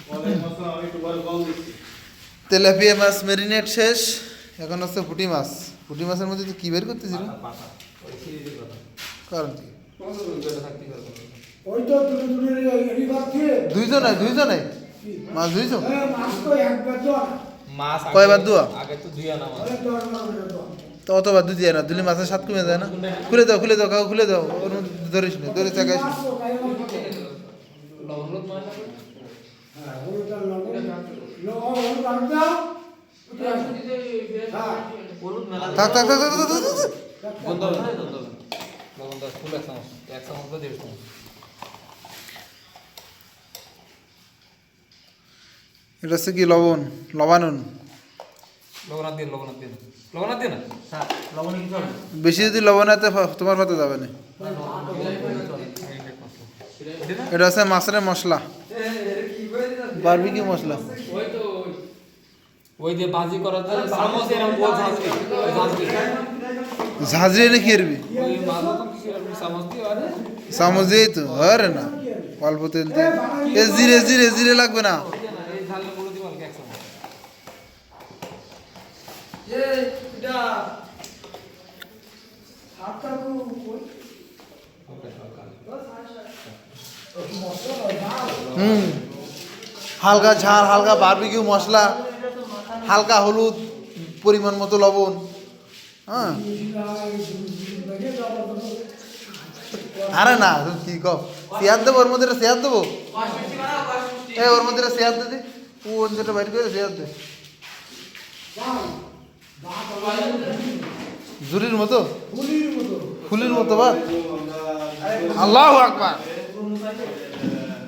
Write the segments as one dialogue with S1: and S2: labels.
S1: Tilapia মাছ marinate শেষ, এখন হচ্ছে পুঁটি মাছ। পুঁটি মাছের মধ্যে তুই কী বের করতেছিল? কারণ কি দুইজনে মাছ দুইজন কয়বার ধোয়া? তো অতবার দুধ দিয়ে না, দুলি মাছের স্বাদ কমে যায় না? খুলে দাও কাউ খুলে দাও, ওর মধ্যে ধরিস না, ধরে চাকাইস না। থাক থাক থাক থাক থাক থাক। এটা হচ্ছে কি লবণ, লবণায়ন। বেশি যদি লবণ আছে তোমার ভাতে যাবে না। এটা হচ্ছে মাছের মশলা, বারবিকিউ মশলা। ঝাঁঝরি এনে কি করবি? চামচ দিয়েই তো আরে না, অল্প তেল দিয়ে। এ জিরে জিরে জিরে লাগবে না। হালকা ঝাল, হালকা বারবিকিউ মশলা, হালকা হলুদ, পরিমাণ মতো লবণ। হ্যাঁ আরে না কি কম চেয়ার দেবো, ওর মধ্যে চেয়ার দেবো, ওর মধ্যে চেয়ার দিদি, ও যেটা বাইর করে চেয়ার দে। জুরির মতো, ফুলির মতো বা। আল্লাহু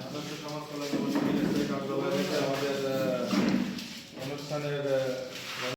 S1: আকবার।